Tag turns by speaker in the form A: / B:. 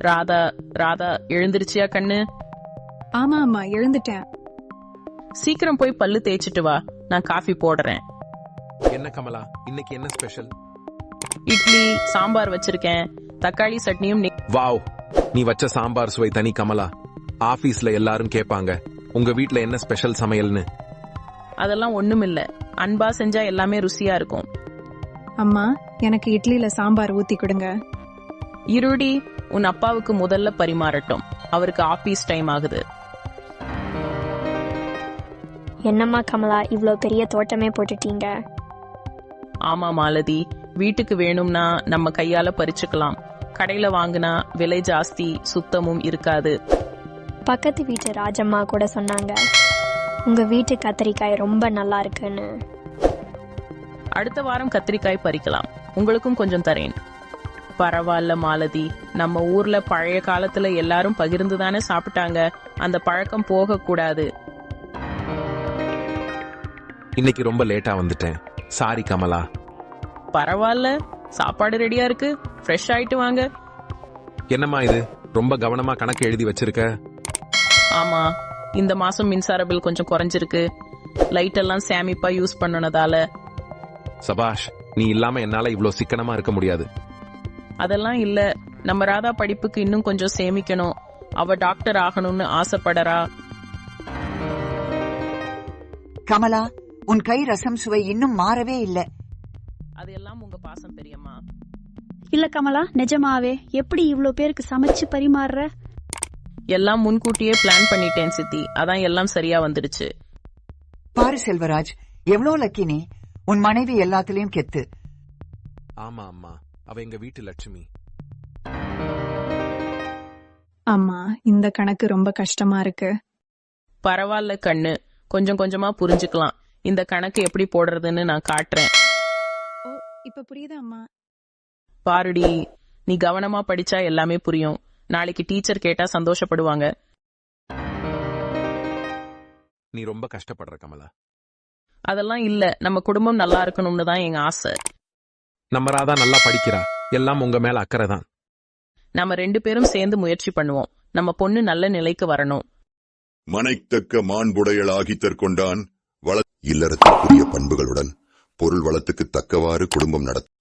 A: ராதா ராதா எழுந்திருச்சியா கண்ணு?
B: ஆமா அம்மா, எழுந்துட்டேன்.
A: சீக்கிரம் போய் பல்லு தேய்ச்சிட்டு வா, நான் காஃபி போடுறேன்.
C: என்ன கமலா, இன்னைக்கு என்ன ஸ்பெஷல்?
A: இட்லி சாம்பார் வச்சிருக்கேன், தக்காளி சட்னியும்.
C: வாவ், நீ வச்ச சாம்பார் சுவை தனி கமலா. ஆபீஸ்ல எல்லாரும் கேட்பாங்க உங்க வீட்ல என்ன ஸ்பெஷல் சமையல்னு.
A: அதெல்லாம் ஒண்ணுமில்ல, அன்பா செஞ்சா எல்லாமே ருசியா இருக்கும்.
B: அம்மா, எனக்கு இட்லியில சாம்பார் ஊத்தி கொடுங்க.
A: இருடி, உன் அப்பாவுக்கு முதல்ல பரிமாறட்டும், அவருக்கு ஆபீஸ் டைம் ஆகுது.
D: என்னம்மா கமலா, இவ்ளோ பெரிய தோட்டமே போட்டுட்டீங்க?
A: ஆமா மாலதி, வீட்டுக்கு வேணும்னா நம்ம கையால பறிச்சுக்கலாம். கடையில வாங்குனா விலை ஜாஸ்தி, சுத்தமும் இருக்காது.
D: பக்கத்து வீட்டு ராஜம்மா கூட சொன்னாங்க உங்க வீட்டு கத்திரிக்காய் ரொம்ப நல்லா இருக்குன்னு.
A: அடுத்த வாரம் கத்திரிக்காய் பறிக்கலாம், உங்களுக்கும் கொஞ்சம் தரேன். பரவாயில்ல மாலதி, நம்ம ஊர்ல பழைய காலத்துல எல்லாரும் பகிர்ந்து தானே சாப்பிட்டாங்க, அந்த பழக்கம் போக கூடாது.
C: இன்னைக்கு ரொம்ப லேட்டா வந்துட்டேன், சாரி கமலா.
A: பரவாயில்ல, சாப்பாடு ரெடியா இருக்கு, ஃப்ரெஷ் ஆயிட்டு வாங்க.
C: என்னம்மா இது, ரொம்ப கவனமா கணக்கு எழுதி வச்சிருக்க?
A: ஆமா, இந்த மாசம் மின்சார பில் கொஞ்சம் குறைஞ்சிருக்கு, லைட் எல்லாம் சேமிப்பா யூஸ் பண்ணனதால.
C: சபாஷ், நீ இல்லாம என்னால இவ்ளோ சிக்கனமா இருக்க முடியாது.
A: அதெல்லாம் இல்ல, நம்ம ராதா படிப்புக்கு இன்னும் கொஞ்சம் சேமிக்கணும். அவ டாக்டர் ஆகணும்னு ஆசைப்படறா.
E: கமலா, உன் கை ரசம் சுவை இன்னும் மாறவே இல்ல.
A: அதெல்லாம் உங்க பாசம் பெரியம்மா.
F: இல்ல கமலா, நிஜமாவே எப்படி இவ்ளோ பேருக்கு சமைச்சு பரிமாறுற?
A: எல்லாம் முன்கூட்டியே பிளான் பண்ணிட்டேன் சித்தி, அதான் எல்லாம் சரியா வந்துடுச்சு.
E: பாரு செல்வராஜ், எவ்வளவு லக்கி நீ. உன் மனைவி எல்லாத்துலயும் கெத்து.
C: ஆமா அம்மா, அவ எங்க வீட்டு லட்சுமி.
B: அம்மா, இந்த கணக்கு ரொம்ப கஷ்டமா இருக்கு.
A: பரவாயில்ல கண்ணு, கொஞ்சம் கொஞ்சமா புரிஞ்சுக்கலாம். இந்த கணக்கு எப்படி போடுறதுன்னு நான் காட்டுறேன்.
B: ஓ, இப்ப புரியுதா அம்மா?
A: பாருடி, நீ கவனமா படிச்சா எல்லாமே புரியும். நாளைக்கு டீச்சர் கேட்டா சந்தோஷப்படுவாங்க.
C: நீ ரொம்ப கஷ்டப்படுற கமலா.
A: அதெல்லாம் இல்ல, நம்ம குடும்பம் நல்லா இருக்கணும்னு தான் எங்க ஆசை.
C: நம்ம ராதா நல்லா படிக்கிறா, எல்லாம் உங்க மேல அக்கறை தான்.
A: நம்ம 2 பேரும் சேர்ந்து முயற்சி பண்ணுவோம், நம்ம பொண்ணு நல்ல நிலைக்கு வரணும்.
G: மனைத்தக்க மாண்புடையளாகி தற்கொண்டான் இல்லறத்திற்குரிய பண்புகளுடன் பொருள் வளத்துக்கு தக்கவாறு குடும்பம் நடத்த